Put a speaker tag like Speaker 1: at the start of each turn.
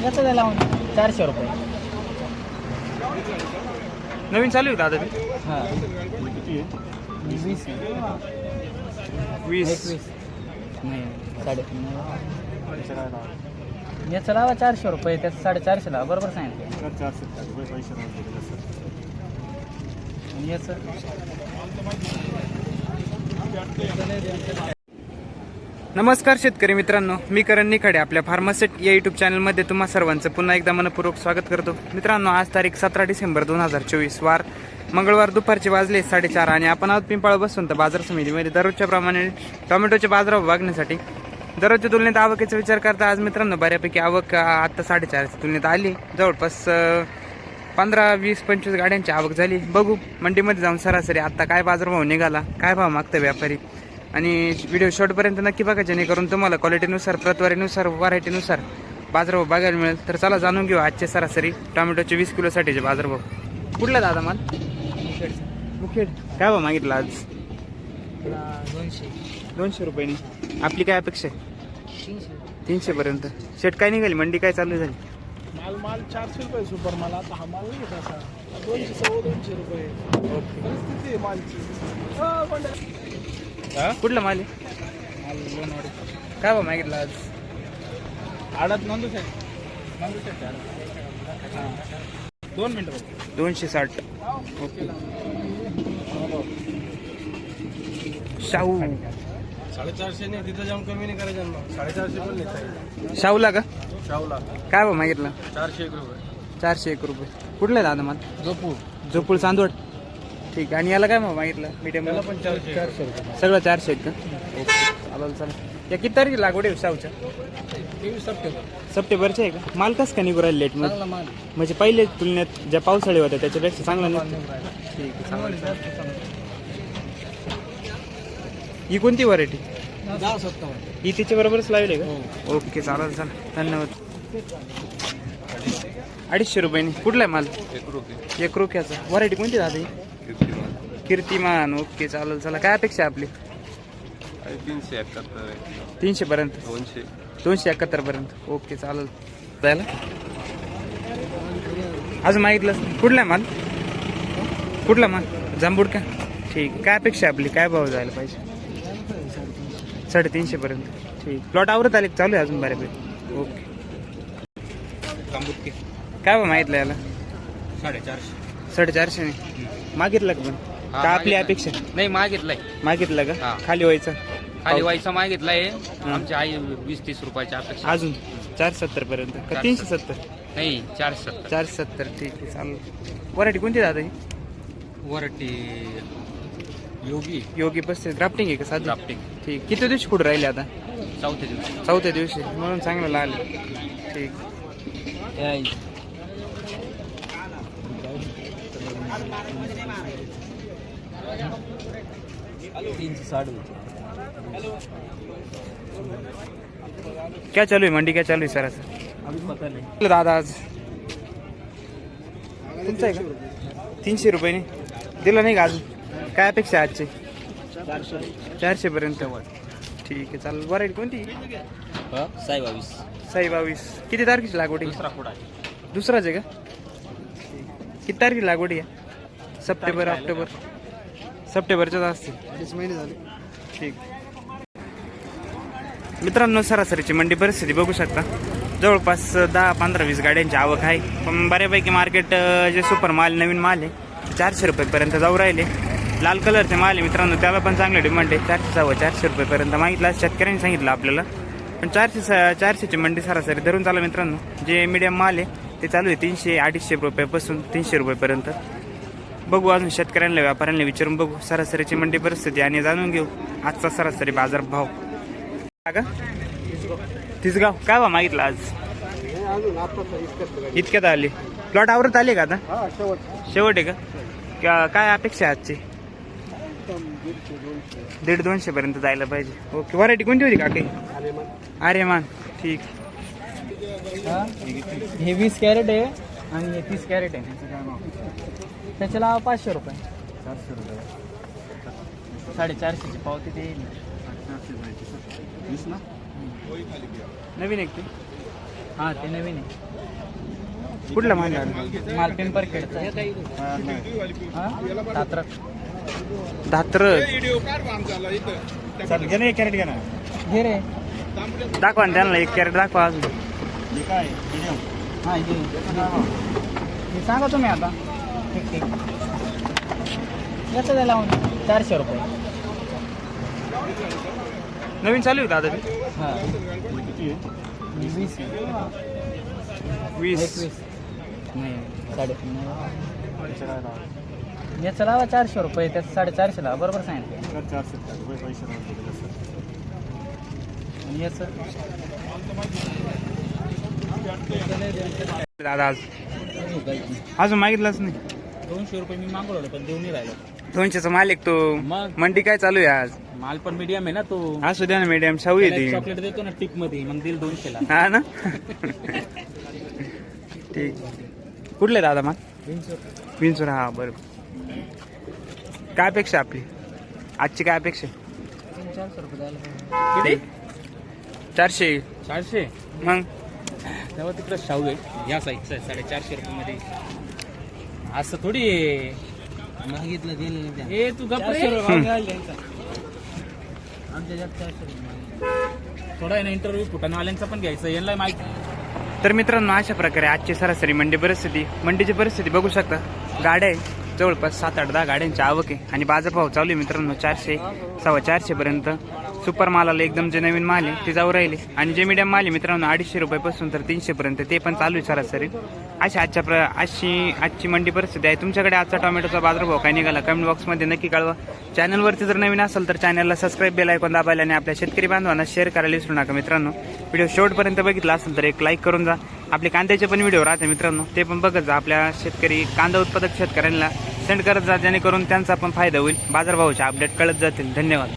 Speaker 1: याचं द्यायला 400 रुपये.
Speaker 2: नवीन चालू आहे दादा ते?
Speaker 1: हां 20
Speaker 2: 20
Speaker 1: नाही 3.5. याचं लावा 400 रुपये, त्याचं 450 लावा. बरोबर सांगितलं.
Speaker 2: 400 पैसे.
Speaker 1: आणि याचं
Speaker 2: नमस्कार शेतकरी मित्रांनो, मी करण निखाडे आपल्या फार्मासेट या यूट्यूब चॅनलमध्ये तुम्हा सर्वांचं पुन्हा एकदा मनपूर्वक स्वागत करतो. मित्रांनो, आज तारीख 17 डिसेंबर 2024 वार मंगळवार, दुपारचे वाजले 4:30 आणि आपण आहोत पिंपळा बसवंत बाजार समितीमध्ये दररोजच्या प्रमाणे टोमॅटोचे बाजारभाव बघण्यासाठी. दररोजच्या तुलनेत आवकेचा विचार करता आज मित्रांनो बऱ्यापैकी आवक आता 4.5च्या तुलनेत आली. जवळपास 15, 20, 25 गाड्यांची आवक झाली. बघू मंडीमध्ये जाऊन सरासरी आता काय बाजारभाव निघाला, काय भाव मागतं व्यापारी, आणि व्हिडिओ शॉर्टपर्यंत नक्की बघा, जेणेकरून तुम्हाला क्वालिटीनुसार, प्रतवारीनुसार, व्हरायटीनुसार बाजारभाव बघायला मिळेल. तर चला जाणून घेऊ आजचे सरासरी टोमॅटोचे 20 किलोसाठीचे बाजारभाव. कुठला दादा माल? मुखेड. काय भाव मागितला आज? 200 रुपयांनी. आपली काय अपेक्षा आहे? 300 पर्यंत. शेट काय निघाली, मंडी काय चालू झाली?
Speaker 3: माल 400 रुपये सुपर माल. आता हा माल नाही तसा 200-250 रुपये. परिस्थिती आहे मालची.
Speaker 2: कुठला माल आहे? काय भाव मागितला आज?
Speaker 3: आडात नोंदू शकतो. 2 मिनिटं.
Speaker 2: 260. ओके. शाहू
Speaker 3: 450 नाही, तिथं जाऊन कमी नाही करायचं ना. 450 पण नाही.
Speaker 2: शाहूला का?
Speaker 3: शाहूला
Speaker 2: काय भाव मागितला?
Speaker 3: 401 रुपये.
Speaker 2: 401 रुपये. कुठला आहे दादा माल? जोपूळ चांदवड. ठीक आहे. आणि याला काय भाव मागितला? मीडियम
Speaker 3: त्याला पण 400 रुपये.
Speaker 2: सगळं 400 आहेत का? ओके, चालेल चालेल. या किती तारखेला लागवड आहे शाहूच्या?
Speaker 3: 23 सप्टेंबर.
Speaker 2: सप्टेंबरच्या आहे का? माल कसं का निघू राहिले लेट मध्ये?
Speaker 3: चांगला माल.
Speaker 2: म्हणजे पहिले तुलनेत ज्या पावसाळी होत्या त्याच्यापेक्षा चांगला नाही. ठीक आहे, चालेल. ही कोणती व्हरायटी?
Speaker 3: 10-57.
Speaker 2: ही तिच्या बरोबरच लावली का? ओके, चालेल चालेल, धन्यवाद. 250 रुपयांनी. कुठला आहे माल? 1 रुपयाचा. व्हरायटी कोणती दादा ही? कीर्तिमान. ओके, चालेल. चला, काय अपेक्षा आहे आपली? 300 पर्यंत. 271 पर्यंत. ओके, चालेल. जायला अजून मागितलं. कुठला आहे माल? कुठला माल? जांभूड का? ठीक. काय अपेक्षा आहे आपली? काय भाव जायला पाहिजे? 350 पर्यंत. ठीक. प्लॉट आवरत आले चालू आहे अजून बऱ्यापैकी. ओके. काय भाव मागितलं याला? 450 ने. मागितलं का पण? का आपली अपेक्षा?
Speaker 4: नाही मागितलंय.
Speaker 2: मागितलं का?
Speaker 4: हा.
Speaker 2: खाली व्हायचं.
Speaker 4: खाली व्हायचा मागितलाय. आमची आई 20-30 रुपयाची अपेक्षा.
Speaker 2: अजून 470 पर्यंत का? 370?
Speaker 4: नाही 470.
Speaker 2: 470. ठीक आहे, चालेल. व्हरायटी कोणती दादा ही?
Speaker 4: वरटी
Speaker 2: योगी 35. ग्राफ्टिंग आहे का साधी?
Speaker 4: ड्राफ्टिंग.
Speaker 2: ठीक. किती दिवशी कुठं राहिले आता?
Speaker 4: चौथ्या दिवशी.
Speaker 2: 4थ्या दिवशी म्हणून चांगलं लागले. ठीक. क्या चालू आहे मंडी? क्या चालू आहे सर? दादा आज तुमचं आहे का? 300 रुपयाने दिलं नाही का अजून? काय अपेक्षा आहे आजची? 400 पर्यंत. ठीक आहे, चालेल. व्हरायटी कोणती? साई 22. किती तारखेची लागवड आहे? दुसराच आहे का? किती तारखेची लागवड आहे? September, October? सप्टेंबरच्याच असतील.
Speaker 3: 20 महिने झाले.
Speaker 2: ठीक. मित्रांनो, सरासरीची मंडी परिस्थिती बघू शकता. जवळपास 10, 15, 20 गाड्यांची आवक आहे. पण बऱ्यापैकी मार्केट जे सुपर माल, नवीन माल आहे, 400 रुपयेपर्यंत जाऊ राहिले. लाल कलरचे माल आहे मित्रांनो, त्याला पण चांगले डिमांड आहे. 400 रुपयेपर्यंत मागितला शेतकऱ्यांनी सांगितलं आपल्याला. पण 400ची मंडी सरासरी धरून चालू मित्रांनो. जे मीडियम माल आहे ते चालू आहे 300-250 रुपयापासून 300 रुपयेपर्यंत. बघू अजून शेतकऱ्यांना, व्यापाऱ्यांना विचारून बघू सरासरीची मंडी परिस्थिती आणि जाणून घेऊ आजचा सरासरी बाजार भाव. का तिसगाव काय भाव मागितला आज? इतक्यात आली. प्लॉट आवरत आले का आता? शेवट आहे का? काय अपेक्षा आहे आजची? 150-200 पर्यंत जायला पाहिजे. ओके. व्हरायटी कोणती होती काकी? आर्यमान. ठीक.
Speaker 1: हे 20 कॅरेट आहे आणि हे 30 कॅरेट आहे. त्याच्याला 500 रुपये. 450ची पावती ते येईल.
Speaker 2: नवीन एक ते
Speaker 1: हा ते नवीन आहे.
Speaker 2: कुठला माल आहे?
Speaker 1: माल पिंपर खेळचा हा सातारा.
Speaker 2: धात्र
Speaker 1: घे रे.
Speaker 2: दाखवा ना त्यांना, 1 कॅरेट दाखवा अजून.
Speaker 1: हा हे सांगा तुम्ही आता. ठीक याचं द्यायला 400 रुपये.
Speaker 2: नवीन चालू आहे दादा ते?
Speaker 1: हां 20
Speaker 2: 20.
Speaker 1: 21 नाही 3.5. याचं लावा 400 रुपये, त्याचं 450 लावा. बरोबर सांगितलं. आणि याचं
Speaker 2: दादा अजून मागितलंच नाही.
Speaker 1: 200 रुपये मी मागवलं पण देऊ नाही राहिलो.
Speaker 2: 200चा माल एक तो.
Speaker 1: मग?
Speaker 2: मंडी काय चालू आहे आज?
Speaker 1: माल पण मीडियम आहे ना तो.
Speaker 2: असू द्या ना मीडियम, शाहू येते.
Speaker 1: चॉकलेट देतो ना टिप मध्ये, मग दिल 200 ला.
Speaker 2: हा ना. ठीक. कुठले दादा माल? विंचूर. हा बरोबर. काय अपेक्षा आपली आजची? काय अपेक्षा?
Speaker 1: 400 रुपये द्यायला.
Speaker 2: किती? 400.
Speaker 1: 400.
Speaker 2: मग
Speaker 1: तेव्हा तिकडं शाहू आहे या साईजचं आहे 450 रुपये मध्ये. असं थोडी मागितलं गेलं. हे तू गप्प थोडा आहे ना. इंटरव्ह्यू फुटाणवाल्यांचा पण घ्यायचं, यांना माहिती.
Speaker 2: तर मित्रांनो, अशा प्रकारे आजची सरासरी मंडीची परिस्थिती बघू शकता. गाड्या आहे जवळपास 7-8-10 गाड्यांची आवक आहे आणि बाजारभाव चालू आहे मित्रांनो 400, 450 पर्यंत. सुपर मालाला एकदम जे नवीन माल आहे ते जाऊ राहिले आणि जे मीडियम माल आहे मित्रांनो 250 रुपयापासून तर 300 पर्यंत ते पण चालू आहे सरासरी. अशी आजची मंडी परिस्थिती आहे. तुमच्याकडे आजचा टोमॅटोचा बाजारभाव काय निघाला कमेंट बॉक्समध्ये नक्की कळवा. चॅनलवरती जर नवीन असेल तर चॅनलला सबस्क्राईब, बेल आयकॉन दाबायला आणि आपल्या शेतकरी बांधवांना शेअर करायला विसरू नका मित्रांनो. व्हिडिओ शेवटपर्यंत बघितला असेल तर एक लाईक करून जा. आपले कांद्याचे पण व्हिडिओ राहते मित्रांनो, ते पण बघत जा. आपल्या शेतकरी कांदा उत्पादक शेतकऱ्यांना सेंड करत जा, जेणेकरून त्यांचा पण फायदा होईल. बाजारभावाचे अपडेट कळत जातील. धन्यवाद.